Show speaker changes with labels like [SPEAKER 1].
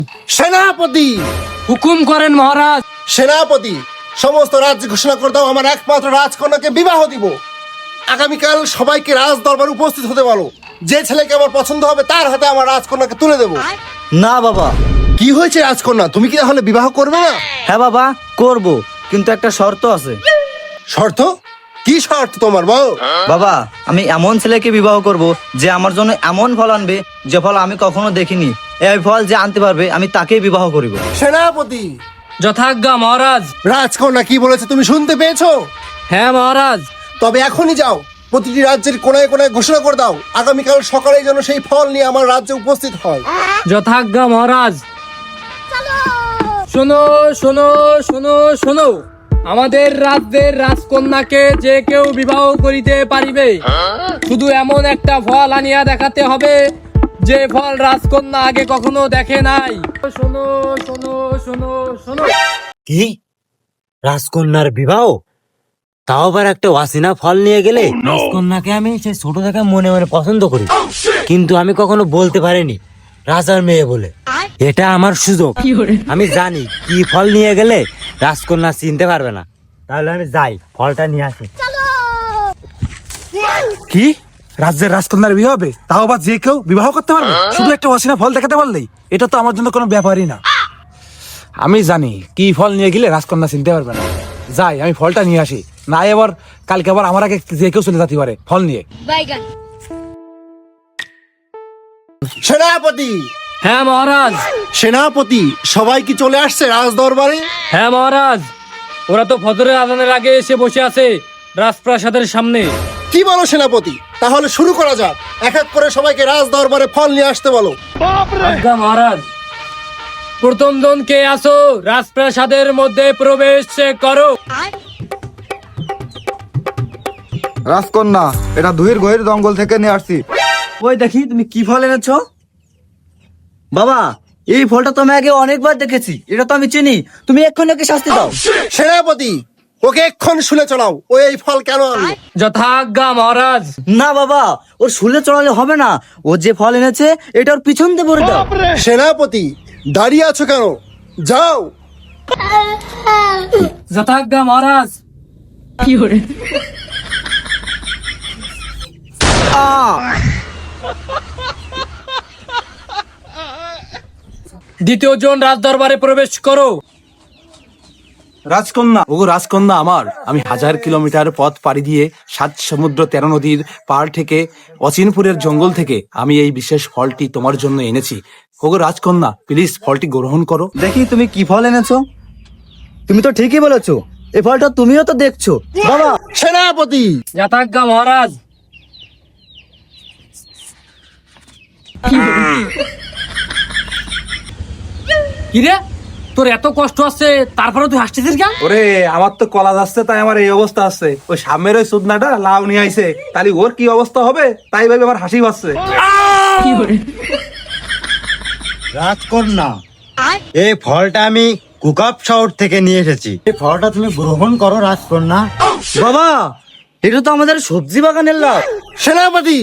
[SPEAKER 1] সেনাপতি,
[SPEAKER 2] হুকুম করেন মহারাজ।
[SPEAKER 1] সেনাপতি, সমস্ত রাজ্য ঘোষণা করে দাও আমার একমাত্র রাজকন্যাকে বিবাহ দিব। আগামীকাল সবাইকে রাজ দরবারে উপস্থিত হতে বলো। যে ছেলেকে আমার পছন্দ হবে তার হাতে আমার রাজকন্যাকে তুলে দেব।
[SPEAKER 3] না বাবা।
[SPEAKER 1] কি হয়েছে রাজকন্যা, তুমি কি তাহলে বিবাহ করবে না?
[SPEAKER 3] হ্যাঁ বাবা, করব, কিন্তু একটা শর্ত আছে।
[SPEAKER 1] শর্ত? কি শর্ত তোমার বল?
[SPEAKER 3] বাবা, আমি এমন ছেলেকে বিবাহ করব যে আমার জন্য এমন ফল আনবে যে ফল আমি কখনো দেখিনি। এই ফল যে আনতে পারবে আমি তাকেই বিবাহ করিব।
[SPEAKER 1] সেনাপতি,
[SPEAKER 2] যথাজ্ঞা মহারাজ।
[SPEAKER 1] রাজকন্যা কি বলেছে তুমি শুনতে পেয়েছো?
[SPEAKER 2] হ্যাঁ মহারাজ।
[SPEAKER 1] তবে এখনই যাও, প্রতিটি রাজ্যের কোনায় কোনায় ঘোষণা করে দাও আগামীকাল সকালে যেন সেই ফল নিয়ে আমার রাজ্যে উপস্থিত হয়।
[SPEAKER 2] যথাজ্ঞা মহারাজ। শোনো শোনো শোনো শোনো, আমাদের রাজ্যের রাজকন্যাকে যে কেউ বিবাহ করিতে পারিবে, শুধু এমন একটা ফল আনিয়া দেখাতে হবে যে ফল রাজকন্যা আগে কখনো দেখে নাই। শোনো শোনো শোনো শোনো।
[SPEAKER 4] কি? রাজকন্যার বিবাহ? তাও আবার একটা ওয়াসিনা ফল নিয়ে গেলে? রাজকন্যাকে আমি সেই ছোট থেকে মনে মনে পছন্দ করি, কিন্তু আমি কখনো বলতে পারিনি রাজার মেয়ে বলে। এটা আমার সুযোগ। আমি জানি কি ফল নিয়ে গেলে রাজকন্যা চিনতে পারবে না। তাহলে আমি যাই, ফলটা নিয়ে আসি।
[SPEAKER 5] কি? রাজ্যের রাজকন্যার বিয়ে হবে, তাও আবার যে কেউ বিবাহ করতে পারবে শুধু একটা অচেনা ফল দেখাতে পারলেই? এটা তো আমার জন্য কোনো ব্যাপারই না। আমি জানি কি ফল নিয়ে গেলে রাজকন্যা চিনতে পারবে না। যাই, আমি ফলটা নিয়ে আসি, না এবার কালকে আবার আমার আগে যে কেউ চলে যেতে পারে ফল নিয়ে।
[SPEAKER 1] সেনাপতি,
[SPEAKER 2] হ্যাঁ মহারাজ।
[SPEAKER 1] সেনাপতি, সবাই কি চলে আসছে রাজ দরবারে?
[SPEAKER 2] হ্যাঁ মহারাজ, ওরা তো ফজরের আজানের আগে এসে বসে আছে রাজপ্রাসাদের সামনে।
[SPEAKER 1] কি বলো সেনাপতি? তাহলে শুরু করা যাক। এক এক করে সবাইকে রাজ দরবারে ফল নিয়ে আসতে বলো।
[SPEAKER 2] আজ্ঞা মহারাজ। প্রথম জন কে আসো, রাজপ্রাসাদের মধ্যে প্রবেশ করো।
[SPEAKER 6] রাজকন্যা, এটা দুহির গহির জঙ্গল থেকে নিয়ে আসছি।
[SPEAKER 3] ওই দেখি তুমি কি ফল এনেছো। বাবা, এই ফলটা তো আমি আগে অনেকবার দেখেছি, এটা তো আমি চিনি। তুমি এক্ষুনি ওকে শাস্তি দাও।
[SPEAKER 1] সেনাপতি, ওকে এক্ষণ শুলে চলাও। ও এই ফল কেন আনলো?
[SPEAKER 2] যথাজ্ঞা মহারাজ।
[SPEAKER 3] না বাবা, ওর শুলে চড়ালে হবে না। ও যে ফল এনেছে এটা ওর পিছন দিয়ে ভরে দাও।
[SPEAKER 1] সেনাপতি, দাঁড়িয়ে আছো কেন? যাও।
[SPEAKER 2] যথাজ্ঞা মহারাজ। দ্বিতীয় জন রাজ দরবারে প্রবেশ করো।
[SPEAKER 5] রাজকন্যা, ওগো রাজকন্যা আমার, আমি 1000 কিলোমিটার পথ পাড়ি দিয়ে 7 সমুদ্র 13 নদীর পার থেকে অচিনপুরের জঙ্গল থেকে আমি এই বিশেষ ফলটি তোমার জন্য এনেছি। ওগো রাজকন্যা, প্লিজ ফলটি গ্রহণ করো।
[SPEAKER 3] দেখি তুমি কি ফল এনেছো। তুমি তো ঠিকই বলেছো, এই ফলটা তুমিও তো দেখছো। বাবা,
[SPEAKER 1] সেনাপতি,
[SPEAKER 2] যথাজ্ঞা মহারাজ। কিরে, তোর এত কষ্ট আছে তারপরে তুই হাসতেছিস কেন?
[SPEAKER 5] ওরে, আমার তো কলা যাচ্ছে তাই আমার এই অবস্থা আছে। ওই সামনের ওই সুদনাটা লাউ নিয়ে আইছে, তাহলে ওর কি অবস্থা হবে তাই ভাবে আমার হাসি পাচ্ছে।
[SPEAKER 4] রাজকন্যা, এই ফলটা আমি কুকাপ শহর থেকে নিয়ে এসেছি। এই ফলটা তুমি গ্রহণ করো রাজকন্যা।
[SPEAKER 3] বাবা, এটা তো আমাদের সবজি বাগানের লাউ।
[SPEAKER 1] সেনাপতি,